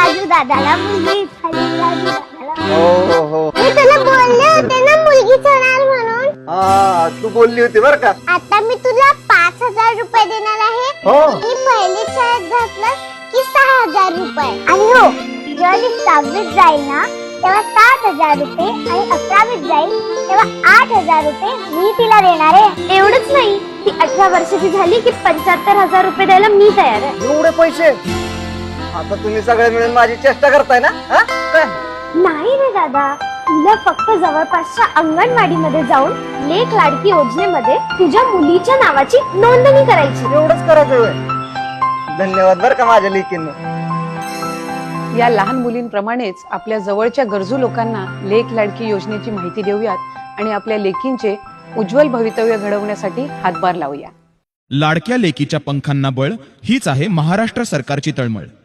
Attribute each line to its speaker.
Speaker 1: राजू दादाला मुलगी झाली, राजू दादाला.
Speaker 2: हो.
Speaker 1: मी तुला बोलले होते ना मुलगीच होणार म्हणून.
Speaker 2: हा, तू बोलली होती बर का.
Speaker 1: आता मी तुला 5,000 रुपये देणार आहे.
Speaker 2: हो.
Speaker 1: मी पहिली शाळेत घातलं की 6,000 रुपये. आणि हो, जेव्हा ती 6वीत जाईल ना तेव्हा 7,000 रुपये आणि 11वीत जाईल तेव्हा 8,000 रुपये मी तिला देणार आहे. एवढंच नाही, ती 18 वर्षाची झाली की 75,000 रुपये द्यायला मी तयार आहे.
Speaker 2: एवढे पैसे? आता तुम्ही सगळे मिळून माझी चेष्टा करताय ना? हा? काय?
Speaker 1: नाही रे दादा, तुला फक्त जवळपासच्या अंगणवाडीमध्ये जाऊन लेक लाडकी योजनेमध्ये तुझ्या मुलीच्या नावाची नोंदणी करायची.
Speaker 2: एवढंच करायचं होय? धन्यवाद बर का माझ्या लेकींना.
Speaker 3: या लहान मुलींप्रमाणेच आपल्या जवळच्या गरजू लोकांना लेक लाडकी योजनेची माहिती देऊयात आणि आपल्या लेकींचे उज्ज्वल भवितव्य घडवण्यासाठी हातभार लावूया.
Speaker 4: लाडक्या लेकीच्या पंखांना बळ हीच आहे महाराष्ट्र सरकारची तळमळ.